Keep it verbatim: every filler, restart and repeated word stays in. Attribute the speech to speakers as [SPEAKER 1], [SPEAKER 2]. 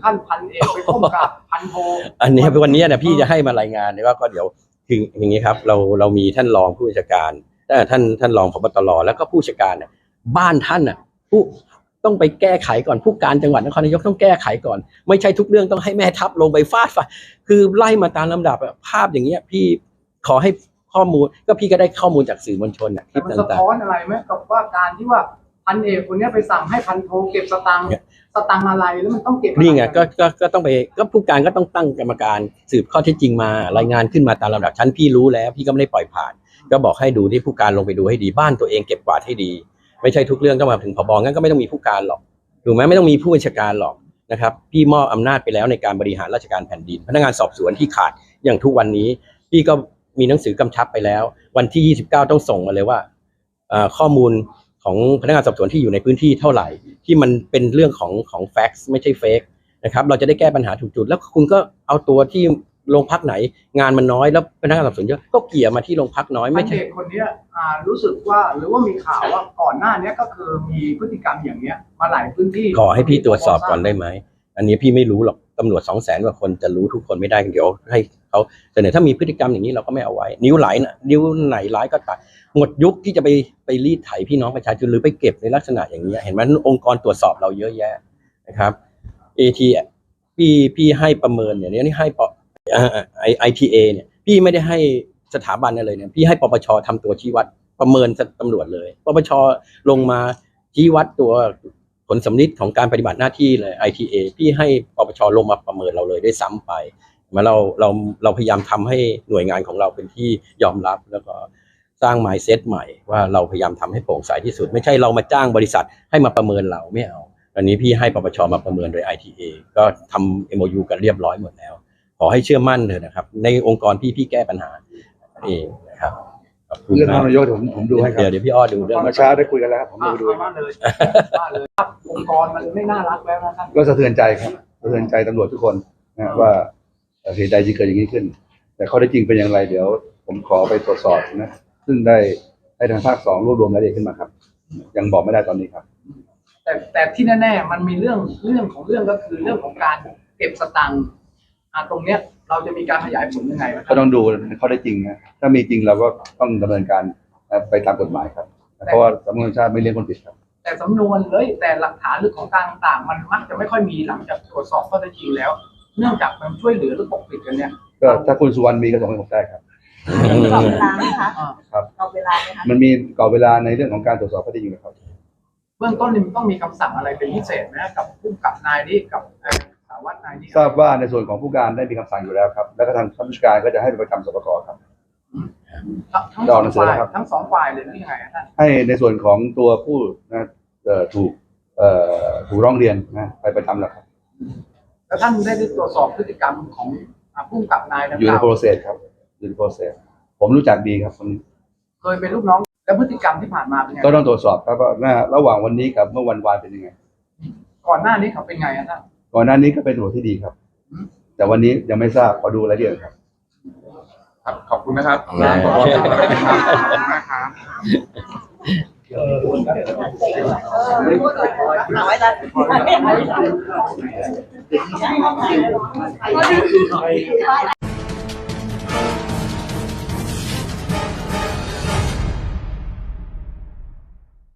[SPEAKER 1] ขั้นพันเอกไปก้มกราบพันโท
[SPEAKER 2] อันนี้วันนี้เนี่ยพี่จะให้มารายงานเลยว่าก็เดี๋ยวคืออย่างนี้ครับเราเรามีท่านรองผู้บัญชาการท่านท่านรองผบตรแล้วก็ผู้บัญชาการเนี่ยบ้านท่านอ่ะผู้ต้องไปแก้ไขก่อนผู้การจังหวัดนครนายกต้องแก้ไขก่อนไม่ใช่ทุกเรื่องต้องให้แม่ทัพลงไปฟาดฟันคือไล่มาตามลำดับภาพอย่างเงี้ยพี่ขอให้ข้อมูลก็พี่ก็ได้ข้อมูลจากสื่อมวลชนนะคลิป
[SPEAKER 1] ต่างๆมันสะท้อนอะไรไหมกับว่าการที่ว่าพันเอกคนนี้ไปสั่งให้พันโทเก็บสตังค์สตังค์อะไรแล้วมันต้องเก็บ
[SPEAKER 2] นี่ไงก็ก็ก็ต้องไปก็ผู้การก็ต้องตั้งกรรมการสืบข้อเท็จจริงมารายงานขึ้นมาตามลำดับชั้นพี่รู้แล้วพี่ก็ไม่ได้ปล่อยผ่านก็บอกให้ดูที่ผู้การลงไปดูให้ดีบ้านตัวเองเก็บกวาดให้ดีไม่ใช่ทุกเรื่องต้องมาถึงผบงั้นก็ไม่ต้องมีผู้การหรอกถูกไหมไม่ต้องมีผู้บัญชาการหรอกนะครับพี่มอบอำนาจไปแล้วในการบริหารราชการแผ่นดินพนักงานสอบสวนที่ขาดอย่างทุกวันนี้พี่ก็มีหนังสือกำชับไปแล้ววันที่ยี่สิบเก้าต้องส่งมาเลยว่าข้อมูลของพนักงานสอบสวนที่อยู่ในพื้นที่เท่าไหร่ที่มันเป็นเรื่องของของแฟกซ์ไม่ใช่เฟกนะครับเราจะได้แก้ปัญหาถูกจุดแล้วคุณก็เอาตัวที่โรงพักไหนงานมันน้อยแล้วพนักงานสอบสวนเยอะก็เกี่ยมาที่โรงพักน้อยไม่ใช่
[SPEAKER 1] คนนี้รู้สึกว่าหรือว่ามีข่าวว่าก่อนหน้านี้ก็คือมีพฤติกรรมอย่างเนี้ยมาหลายพื้นที่
[SPEAKER 2] ขอให้พี่ตรวจสอบก่อนได้ไหมอันนี้พี่ไม่รู้หรอกตำรวจสองแสนกว่าคนจะรู้ทุกคนไม่ได้เดี๋ยวให้เขาเสนอถ้ามีพฤติกรรมอย่างนี้เราก็ไม่เอาไว้นิ้วไหลนะนิ้วไหนร้ายก็ตัดหมดยุคที่จะไปไปรีดไถพี่น้องประชาชนหรือไปเก็บในลักษณะอย่างนี้เห็นไหมองค์กรตรวจสอบเราเยอะแยะนะครับ เอ ที พี่พี่ให้ประเมินเนี่ยนี่ให้ปไอไอทีเอเนี่ยพี่ไม่ได้ให้สถาบันอะไรเนี่ยพี่ให้ปปชทำตัวชี้วัดประเมินตำรวจเลยปปชลงมาชี้วัดตัวผลสำลิดของการปฏิบัติหน้าที่เลย ไอ ที เอ พี่ให้ปปชลงมาประเมินเราเลยด้วยซ้ำไปมาเราเราเราพยายามทำให้หน่วยงานของเราเป็นที่ยอมรับแล้วก็สร้าง mindset ใหม่ว่าเราพยายามทำให้โปร่งใสที่สุดไม่ใช่เรามาจ้างบริษัทให้มาประเมินเราไม่เอาอันนี้พี่ให้ปปชมาประเมินโดย ไอ ที เอ ก็ทำ เอ็ม โอ ยู กันเรียบร้อยหมดแล้วขอให้เชื่อมั่นเถอะนะครับในองค์กรพี่พี่แก้ปัญหาเองนะครับ
[SPEAKER 3] เรื่องนายกผมผมดูให้ครับ
[SPEAKER 2] เดี๋ยวเดี๋ยวพี่อ้อดูเรื่อง
[SPEAKER 3] เมื่อเช้าได้คุยกันแล้วครับผมดูดู
[SPEAKER 1] มาเลยมาเลยครับองค์กรมันไม่น่ารักแล้วนะครับ
[SPEAKER 3] ก็สะเทือนใจครับสะเทือนใจตำรวจทุกคนนะว่าเหตุใดที่เกิดอย่างนี้ขึ้นแต่ข้อเท็จจริงเป็นอย่างไรเดี๋ยวผมขอไปตรวจสอบนะซึ่งได้ให้ทางภาคสองรวบรวมรายละเอียดขึ้นมาครับยังบอกไม่ได้ตอนนี้ครับ
[SPEAKER 1] แต่แต่ที่แน่ๆมันมีเรื่องเรื่องของเรื่องก็คือเรื่องของการเก็บสตังค์ตรงเนี้ยเราจะมีการขยายผลยังไง
[SPEAKER 3] ก็ต้องดูข้อได้จริงนะถ้ามีจริงเราก็ต้องดำเนินการไปตามกฎหมายครับเพราะว่าสำนวนชาติไม่เลี้ยงคนผิดครับ
[SPEAKER 1] แต่สำนวนเลยแต่หลักฐานหรือของการต่างๆมันมักจะไม่ค่อยมีหลังจากตรวจสอบข้อเท็จจริงแล้วเนื่องจากมันช่วยเหลือหรือปกปิดกันเนี่ย
[SPEAKER 3] ก็ถ้าคุณสุวรรณมีก็ส่งให้ผมได้ครับ
[SPEAKER 4] กรอบเวลาไหมคะ
[SPEAKER 3] ครับ
[SPEAKER 4] กรอบเวลาไหมคะ
[SPEAKER 3] มันมีกรอบเวลาในเรื่องของการตรวจสอบข้อเท็จจริงครับ
[SPEAKER 1] เบื้องต้นมันต้องมีคำสั่งอะไรเป็นพิเศษไหมกับผู้กับนายนี้กับสารวัตรนายนี้
[SPEAKER 3] ทราบว่าในส่วนของผู้การได้มีคำสั่งอยู่แล้วครับแล้วก็ทางท่านผู้การก็จะให้ไปประจำสปกครับ
[SPEAKER 1] ทั้งสองฝ่ายทั้งสองฝ่ายเลยนี่ยังไงท่าน
[SPEAKER 3] ให้ในส่วนของตัวผู้นะถูกถูกร้องเรียนนะไปประจำแล้วครับ
[SPEAKER 1] แล้วท่านได้ตรวจสอบพฤติกรรมของผู้กับนาย
[SPEAKER 3] อยู่ในโปรเซสครับอยู่ในโปรเซสผมรู้จักดีครับคนนี้
[SPEAKER 1] เคยเป็นลูกน้องแล้วพฤติกรรมที่ผ่านมาเป็นไง
[SPEAKER 3] ก็ต้องตรวจสอบครับว่าระหว่างวันนี้กับเมื่อวันวานเป็นยังไง
[SPEAKER 1] ก่อนหน้านี้เขาเป็นไงท่าน
[SPEAKER 3] ก่อนหน้านี้ก็เป็นตำรวจที่ดีครับแต่วันนี้ยังไม่ทราบขอดูรายละเอียดครับ
[SPEAKER 1] ครับขอบคุณนะครับขอบคุณนะครับ
[SPEAKER 4] เอาไว้ละ